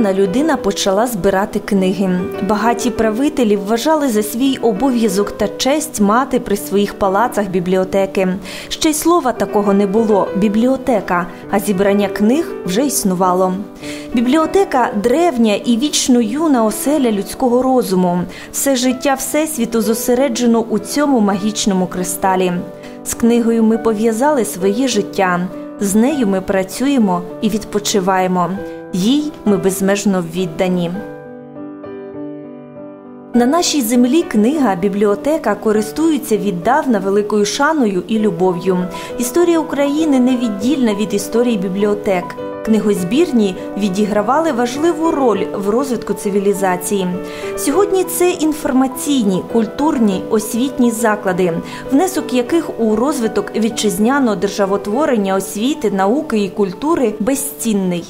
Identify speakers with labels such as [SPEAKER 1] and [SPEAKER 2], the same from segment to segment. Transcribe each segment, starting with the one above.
[SPEAKER 1] віднедавна людина почала збирати книги. Багаті правителі вважали за свій обов'язок та честь мати при своїх палацах бібліотеки. Ще й слова такого не було – бібліотека, а зібрання книг вже існувало. Бібліотека – древня і вічно юна оселя людського розуму. Все життя Всесвіту зосереджено у цьому магічному кристалі. З книгою ми пов'язали своє життя. З нею ми працюємо і відпочиваємо. Їй ми безмежно віддані. На нашій землі книга, бібліотека користуються віддавна великою шаною і любов'ю. Історія України невіддільна від історії бібліотек. Книгозбірні відігравали важливу роль в розвитку цивілізації. Сьогодні це інформаційні, культурні, освітні заклади, внесок яких у розвиток вітчизняного державотворення, освіти, науки і культури безцінний.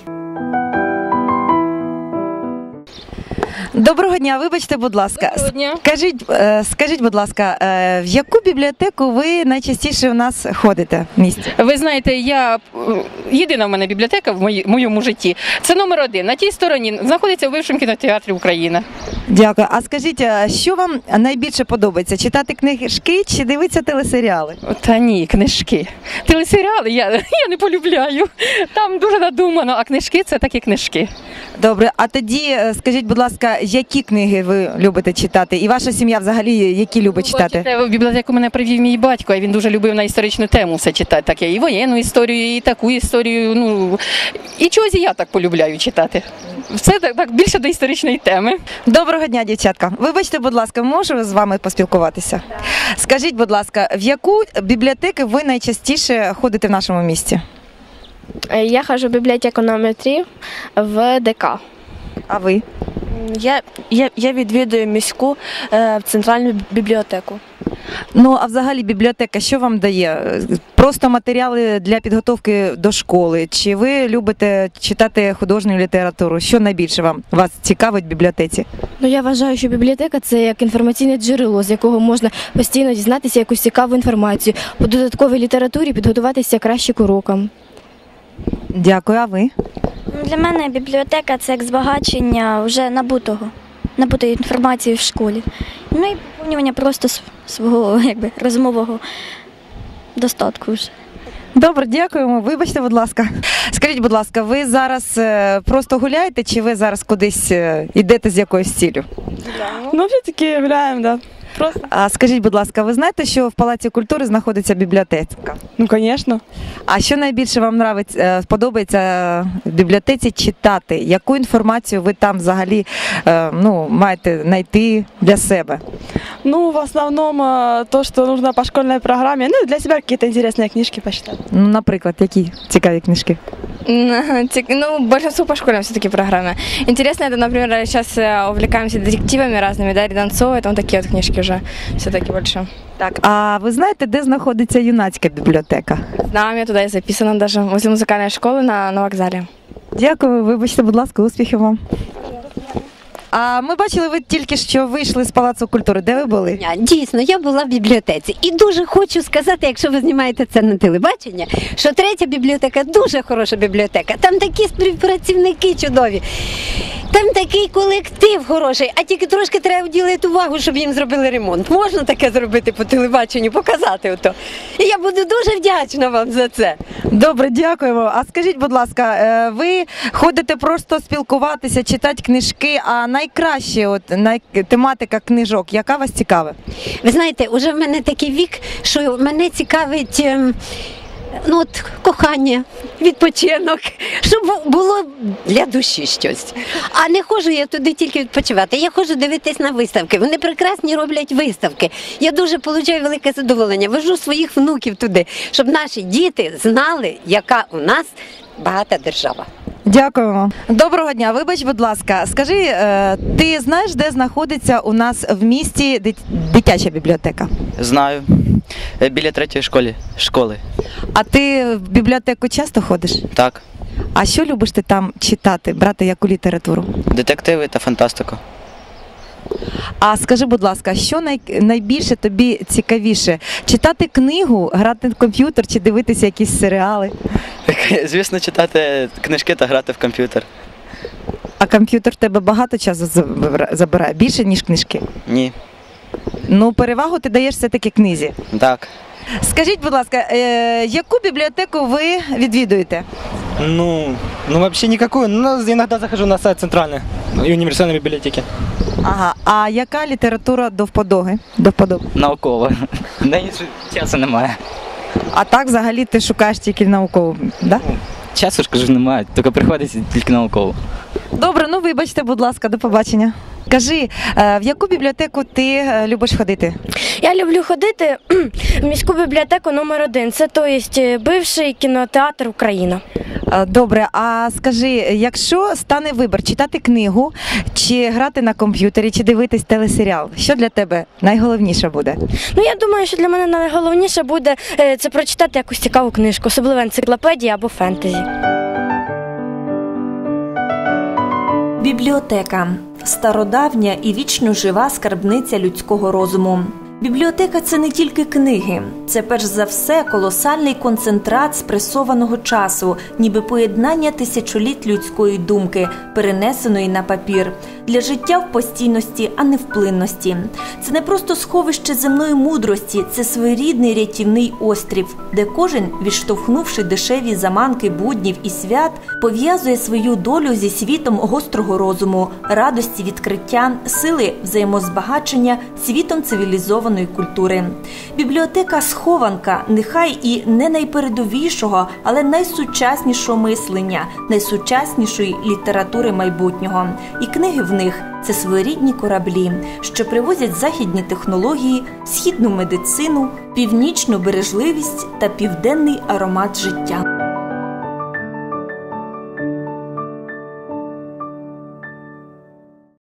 [SPEAKER 2] Доброго дня, вибачте, будь ласка.
[SPEAKER 3] Доброго дня.
[SPEAKER 2] Скажіть, будь ласка, в яку бібліотеку ви найчастіше у нас ходите в місті?
[SPEAKER 3] Ви знаєте, єдина в мене бібліотека в моєму житті. Це номер 1. На тій стороні знаходиться в бившому кінотеатрі «Україна».
[SPEAKER 2] Дякую. А скажіть, що вам найбільше подобається? Читати книжки чи дивитися телесеріали?
[SPEAKER 3] Та ні, книжки. Телесеріали я не полюбляю. Там дуже надумано, а книжки – це такі книжки.
[SPEAKER 2] Добре, а тоді скажіть, будь ласка, які книги ви любите читати? І ваша сім'я взагалі які любить читати?
[SPEAKER 3] Бачите, в бібліотеку мене привів мій батько, і він дуже любив на історичну тему все читати. Таке, і воєнну історію, і таку історію. І чогось і я так полюбляю читати. Все так більше до історичної теми.
[SPEAKER 2] Доброго дня, дівчатка. Вибачте, будь ласка, можу з вами поспілкуватися? Скажіть, будь ласка, в яку бібліотеку ви найчастіше ходите в нашому місті?
[SPEAKER 4] Я ходжу в бібліотеку номер 3 в ДК.
[SPEAKER 2] А ви?
[SPEAKER 4] Я відвідую міську центральну бібліотеку.
[SPEAKER 2] Ну, а взагалі бібліотека що вам дає? Просто матеріали для підготовки до школи? Чи ви любите читати художню літературу? Що найбільше вас цікавить в бібліотеці?
[SPEAKER 4] Ну, я вважаю, що бібліотека – це як інформаційне джерело, з якого можна постійно дізнатися якусь цікаву інформацію. По додатковій літературі підготуватися краще к урокам.
[SPEAKER 2] Дякую, а ви?
[SPEAKER 5] Для мене бібліотека – це як збагачення вже набутої інформації в школі. Ну і поповнювання просто свого розумового достатку вже.
[SPEAKER 2] Добре, дякуємо. Вибачте, будь ласка. Скажіть, будь ласка, ви зараз просто гуляєте, чи ви зараз кудись йдете з якоюсь ціллю?
[SPEAKER 6] Ну, все-таки гуляємо, да. Просто.
[SPEAKER 2] А скажіть, будь ласка, ви знаєте, що в Палаці культури знаходиться бібліотека?
[SPEAKER 6] Ну, звісно.
[SPEAKER 2] А що найбільше вам подобається в бібліотеці читати? Яку інформацію ви там взагалі маєте знайти для себе?
[SPEAKER 6] Ну, в основном то, что нужно по школьной программе. Ну, для себя какие-то интересные книжки почитать.
[SPEAKER 2] Ну, наприклад, які цікаві книжки?
[SPEAKER 7] Ну, большинство по школьной все-таки программе. Интересно, это, например, сейчас увлекаемся детективами разными, да, Рядонцова, там такие вот книжки уже все-таки больше.
[SPEAKER 2] Так, а ви знаєте, де знаходиться юнацька бібліотека?
[SPEAKER 7] Знаю, я туда и записана даже, возле музыкальной школы на вокзале.
[SPEAKER 2] Дякую, вибачте, будь ласка, успіхів вам. А ми бачили, ви тільки що вийшли з Палацу культури. Де ви були?
[SPEAKER 8] Дійсно, я була в бібліотеці. І дуже хочу сказати, якщо ви знімаєте це на телебачення, що 3-я бібліотека дуже хороша бібліотека. Там такі співпрацівники чудові. Там такий колектив хороший, а тільки трошки треба вділити увагу, щоб їм зробили ремонт. Можна таке зробити по телебаченню, показати ото. І я буду дуже вдячна вам за це.
[SPEAKER 2] Добре, дякуємо. А скажіть, будь ласка, ви ходите просто спілкуватися, читати книжки, а найкраще тематика книжок, яка вас цікавить?
[SPEAKER 8] Ви знаєте, уже в мене такий вік, що мене цікавить кохання, відпочинок, щоб було для душі щось. А не ходжу я туди тільки відпочивати, я ходжу дивитись на виставки. Вони прекрасні роблять виставки. Я дуже отримую велике задоволення. Вожу своїх внуків туди, щоб наші діти знали, яка у нас багата держава.
[SPEAKER 2] Дякуємо. Доброго дня. Вибач, будь ласка, скажи, ти знаєш, де знаходиться у нас в місті дитяча бібліотека?
[SPEAKER 9] Знаю. Біля 3-ї школи.
[SPEAKER 2] А ти в бібліотеку часто ходиш?
[SPEAKER 9] Так.
[SPEAKER 2] А що любиш ти там читати, брати яку літературу?
[SPEAKER 9] Детективи та фантастику.
[SPEAKER 2] А скажи, будь ласка, що найбільше тобі цікавіше? Читати книгу, грати в комп'ютер чи дивитися якісь серіали?
[SPEAKER 9] Звісно, читати книжки та грати в комп'ютер.
[SPEAKER 2] А комп'ютер в тебе багато часу забирає? Більше, ніж книжки?
[SPEAKER 9] Ні.
[SPEAKER 2] Ну, перевагу ти даєш все-таки книзі.
[SPEAKER 9] Так.
[SPEAKER 2] Скажіть, будь ласка, яку бібліотеку ви відвідуєте?
[SPEAKER 10] Ну, вообще никакую. Но иногда захожу на сайт центральной и универсальной библиотеки.
[SPEAKER 2] Ага, а яка література до вподоби?
[SPEAKER 11] Наукова. Да, часу немає.
[SPEAKER 2] А так взагалі ти шукаєш тільки наукову, да?
[SPEAKER 11] Часу ж, кажу, немає, тільки приходиться тільки науково.
[SPEAKER 2] Добре, ну вибачте, будь ласка, до побачення. Кажи, в яку бібліотеку ти любиш ходити?
[SPEAKER 4] Я люблю ходити в міську бібліотеку номер 1. Це, бивший кінотеатр «Україна».
[SPEAKER 2] Добре, а скажи, якщо стане вибір читати книгу, чи грати на комп'ютері, чи дивитись телесеріал, що для тебе найголовніше буде?
[SPEAKER 4] Ну, я думаю, що для мене найголовніше буде це прочитати якусь цікаву книжку, особливо енциклопедії або фентезі.
[SPEAKER 1] Бібліотека – стародавня і вічно жива скарбниця людського розуму. Бібліотека – це не тільки книги. Це, перш за все, колосальний концентрат спресованого часу, ніби поєднання тисячоліть людської думки, перенесеної на папір. Для життя в постійності, а не в плинності. Це не просто сховище земної мудрості, це своєрідний рятівний острів, де кожен, відштовхнувши дешеві заманки буднів і свят, пов'язує свою долю зі світом гострого розуму, радості відкриття, сили взаємозбагачення, світом цивілізованої культури. Бібліотека – схованка, нехай і не найпередовішого, але найсучаснішого мислення, найсучаснішої літератури майбутнього. І книги в них – це своєрідні кораблі, що привозять західні технології, східну медицину, північну бережливість та південний аромат життя.